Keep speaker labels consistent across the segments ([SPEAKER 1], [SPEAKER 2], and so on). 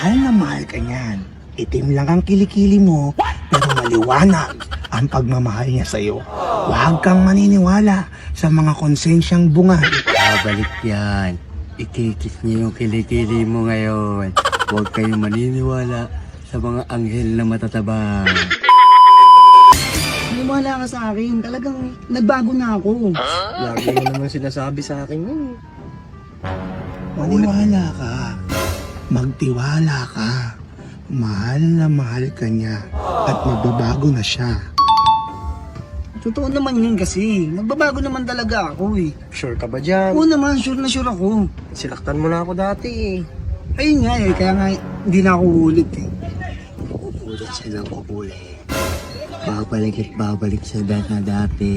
[SPEAKER 1] Mahal na mahal ka niyan. Itim lang ang kilikili mo, pero maliwanag ang pagmamahal niya sa'yo. Huwag kang maniniwala sa mga konsensyang bunga.
[SPEAKER 2] Babalik yan. Ikikis niyo yung kilikili mo ngayon. Huwag kayong maniniwala sa mga anghel na matataba.
[SPEAKER 3] Maniwala ka sa akin. Talagang nagbago na ako.
[SPEAKER 4] Lagi mo naman sinasabi sa akin yun.
[SPEAKER 1] Maniwala ka. Magtiwala ka. Mahal na mahal ka niya at magbabago na siya.
[SPEAKER 3] Totoo naman yun kasi. Nagbabago naman talaga ako eh.
[SPEAKER 4] Sure ka ba dyan?
[SPEAKER 3] Oo naman, sure na sure ako.
[SPEAKER 4] Sinaktan mo na ako dati eh.
[SPEAKER 3] Ayun nga eh, kaya nga hindi na ako ulit eh.
[SPEAKER 2] Ulit silang ulit. Babalik at babalik sa dati.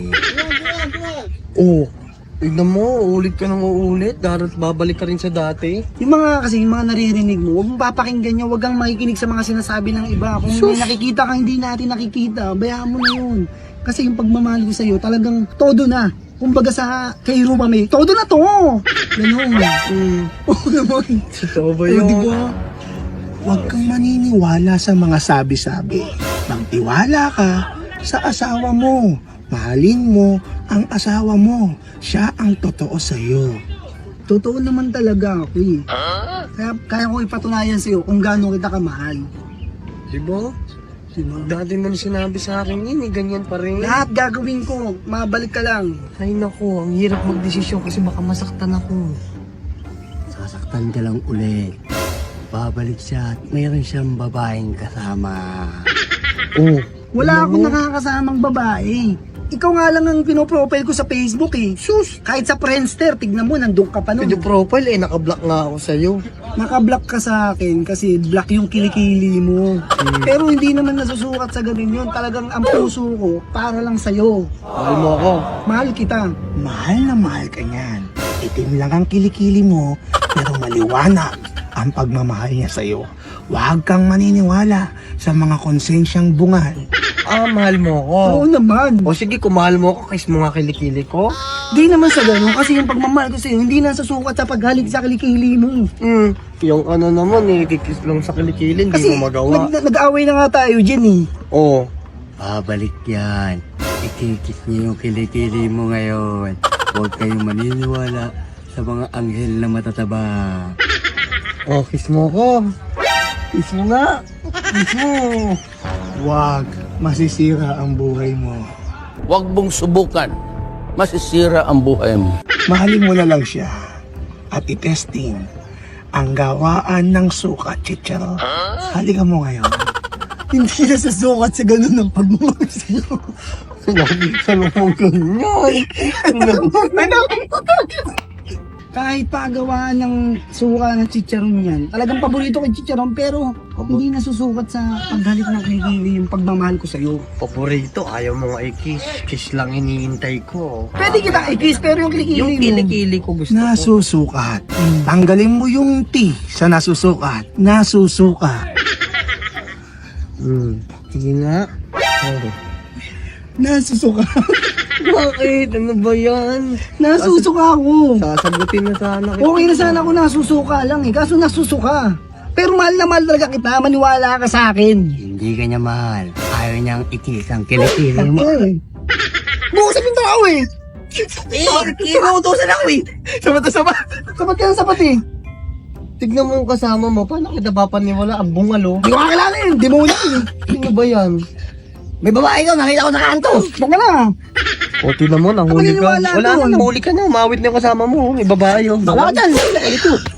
[SPEAKER 4] Oo. Tignan mo, uulit ka nang uulit. Darat babalik ka rin sa dati.
[SPEAKER 3] Yung mga naririnig mo, huwag mong papakinggan niya, huwag kang makikinig sa mga sinasabi ng iba. Kung may nakikita kang hindi natin nakikita, bayaan mo na yun. Kasi yung pagmamahal ko sa'yo, talagang todo na. Kumbaga sa kay Rupa May, todo na to! Ganun. Oo naman.
[SPEAKER 4] Totoo ba
[SPEAKER 3] Oo,
[SPEAKER 4] yun?
[SPEAKER 3] diba?
[SPEAKER 1] Huwag kang maniniwala sa mga sabi-sabi. Magtiwala ka sa asawa mo. Mahalin mo ang asawa mo. Siya ang totoo sa'yo.
[SPEAKER 3] Totoo naman talaga ako eh. Kaya ko ipatunayan sa'yo kung gaano kita kamahal.
[SPEAKER 4] Diba? Dati mo na sinabi sa akin yun eh, ganyan pa rin.
[SPEAKER 3] Lahat gagawin ko, mabalik ka lang.
[SPEAKER 4] Ay naku, ang hirap magdesisyon kasi baka masaktan ako.
[SPEAKER 2] Sasaktan ka lang ulit. Babalik siya at mayroon siyang babaeng kasama.
[SPEAKER 4] Oo.
[SPEAKER 3] Wala akong nakakasamang babae. Ikaw nga lang ang pinoprofile ko sa Facebook eh. Sus! Kahit sa Friendster, tignan mo, nandun ka pa nun.
[SPEAKER 4] Video profile eh, nakablock nga ako sa'yo.
[SPEAKER 3] Nakablock ka sa akin kasi black yung kilikili mo. Pero hindi naman nasusukat sa ganun yun. Talagang ang puso ko para lang sa'yo.
[SPEAKER 4] Mahal mo ako.
[SPEAKER 3] Mahal kita.
[SPEAKER 1] Mahal na mahal ka niyan. Itim lang ang kilikili mo, pero maliwanag ang pagmamahal niya sa'yo. Huwag kang maniniwala sa mga konsensyang bungal.
[SPEAKER 4] Ah, mahal mo ako.
[SPEAKER 3] Oo naman.
[SPEAKER 4] O sige, kung mahal mo ako, kiss mo nga kilikili ko.
[SPEAKER 3] Di naman sa ganun kasi yung pagmamahal ko sa'yo hindi nasusukat sa paghalik sa kilikili mo.
[SPEAKER 4] Yung ano naman eh, kikiss lang sa kilikili, hindi
[SPEAKER 3] Kasi
[SPEAKER 4] mo magawa.
[SPEAKER 3] nag-away na nga tayo dyan eh.
[SPEAKER 4] Oo.
[SPEAKER 2] Babalik yan. Ikikis niyo yung kilikili mo ngayon. Huwag kayong maniniwala sa mga anghel na matataba.
[SPEAKER 4] Oh, kiss mo ko. Kiss mo nga. Kiss mo.
[SPEAKER 1] Huwag, masisira ang buhay mo.
[SPEAKER 5] Huwag mong subukan. Masisira ang buhay mo.
[SPEAKER 1] Mahalin mo na lang siya at itesting ang gawaan ng sukat, chicharo. Halika mo ngayon.
[SPEAKER 3] Hindi nasusukat sa ganun ng pagmamahal sa'yo.
[SPEAKER 4] Sinabi ka naman ganyan.
[SPEAKER 3] Kahit pagawaan ng suka ng chicharon yan, talagang paborito ko yung chicharon pero hindi nasusukat sa paghalik ng kilikili yung pagmamahal ko sa'yo.
[SPEAKER 4] Paborito, ayaw mo nga i-kiss. Kiss lang iniintay ko.
[SPEAKER 3] Pwede kita i-kiss pero yung kilikili
[SPEAKER 4] Yung
[SPEAKER 3] mo.
[SPEAKER 4] kilikili ko gusto ko.
[SPEAKER 1] Nasusukat. Tanggalin mo yung T sa nasusukat. Nasusukat.
[SPEAKER 4] Sige nga.
[SPEAKER 3] Nasusuka.
[SPEAKER 4] Bakit? Ano ba yan?
[SPEAKER 3] Nasusuka ako.
[SPEAKER 4] Sasagutin na sana kita.
[SPEAKER 3] Okay na sana ako nasusuka lang eh, kaso nasusuka. Pero mahal na mahal talaga kita, maniwala ka sa akin.
[SPEAKER 2] Hindi ka niya mahal. Ayaw niyang ikis ang kilikili mo.
[SPEAKER 3] Bukasan yung tao eh. Kinuutosan ako eh.
[SPEAKER 4] Sabat na sabat.
[SPEAKER 3] Sapat ka ng sapat eh.
[SPEAKER 4] Tignan mo yung kasama mo. Paano kita papaniwala? Ang bungalo.
[SPEAKER 3] Di ko kakilala eh, demonyo eh.
[SPEAKER 4] Sino ba yan?
[SPEAKER 3] May babae daw, nakita ko sa kanto. Baka na.
[SPEAKER 4] O, tignan mo, nahuli ka.
[SPEAKER 3] Maniniwala
[SPEAKER 4] Wala
[SPEAKER 3] doon.
[SPEAKER 4] na, nahuli ka na. Umawit na yung kasama mo. May babae yun.
[SPEAKER 3] Wala ka dyan. Ito.